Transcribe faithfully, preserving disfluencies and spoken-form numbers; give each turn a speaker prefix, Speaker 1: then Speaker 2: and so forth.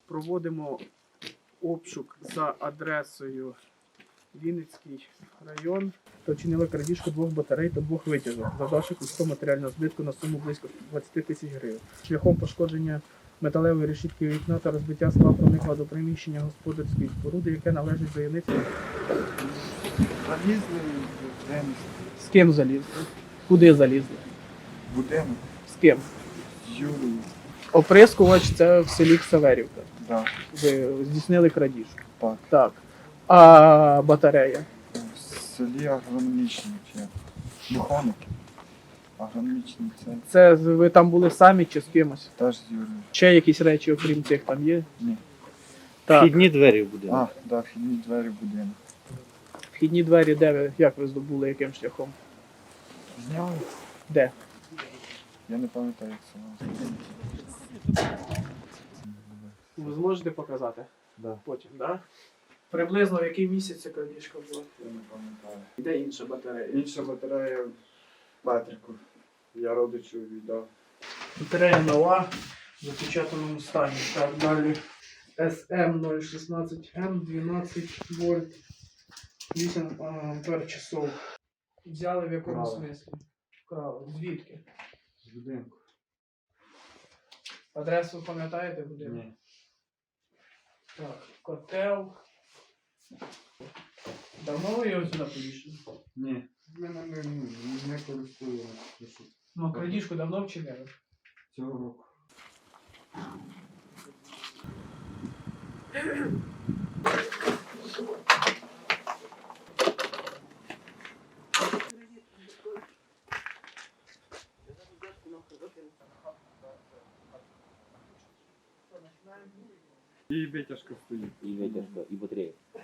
Speaker 1: Проводимо обшук за адресою Вінницький район та вчинили крадіжку двох батарей та двох витяжок, завдавши кусту матеріального збитку на суму близько двадцять тисяч гривень. Шляхом пошкодження металевої решітки вікна та розбиття скла проникла до приміщення господарської споруди, яке належить заявниці.
Speaker 2: Залізли в будинок.
Speaker 1: З ким залізли? Куди залізли?
Speaker 2: Будинок
Speaker 1: З ким?
Speaker 2: з Юлією.
Speaker 1: Оприскувач це в селі Ксаверівка.
Speaker 2: Да.
Speaker 1: Ви здійснили крадіжку.
Speaker 2: Так.
Speaker 1: Так. А батарея?
Speaker 2: В селі агрономічні фірми. Механіки. Агрономічний центр.
Speaker 1: Це ви там були самі чи з кимось?
Speaker 2: Теж з Юлією.
Speaker 1: Ще якісь речі, окрім цих, там є?
Speaker 2: Ні.
Speaker 1: Так.
Speaker 3: Вхідні двері в будинок.
Speaker 2: А, да, вхідні двері в будинок.
Speaker 1: Вхідні двері, де ви, як ви здобули, яким шляхом?
Speaker 2: Зняли?
Speaker 1: Де?
Speaker 2: Я не пам'ятаю, як це називається.
Speaker 1: Ви зможете показати?
Speaker 2: Да.
Speaker 1: Потім, так? Да? Приблизно в який місяць ця крадіжка була?
Speaker 2: Я не пам'ятаю.
Speaker 1: Де інша батарея?
Speaker 2: Інша батарея в Петрику. Я родичу віддав.
Speaker 1: Батарея нова, в запечатаному стані. Так, далі. ес ем нуль шістнадцять ем, дванадцять вольт, вісім ампер часов. Взяли в якому
Speaker 2: Вкрали.
Speaker 1: смислі? Вкрали. Звідки?
Speaker 2: З будинку.
Speaker 1: Адресу пам'ятаєте будинку?
Speaker 2: Ні.
Speaker 1: Так, котел. Давно ви його сюди повішали?
Speaker 2: Ні. Ми ним не, не користуємося.
Speaker 1: Ну, а крадіжку давно вчинили?
Speaker 2: Цього року. І витяжка стоїть.
Speaker 3: І витяжка, і батарея.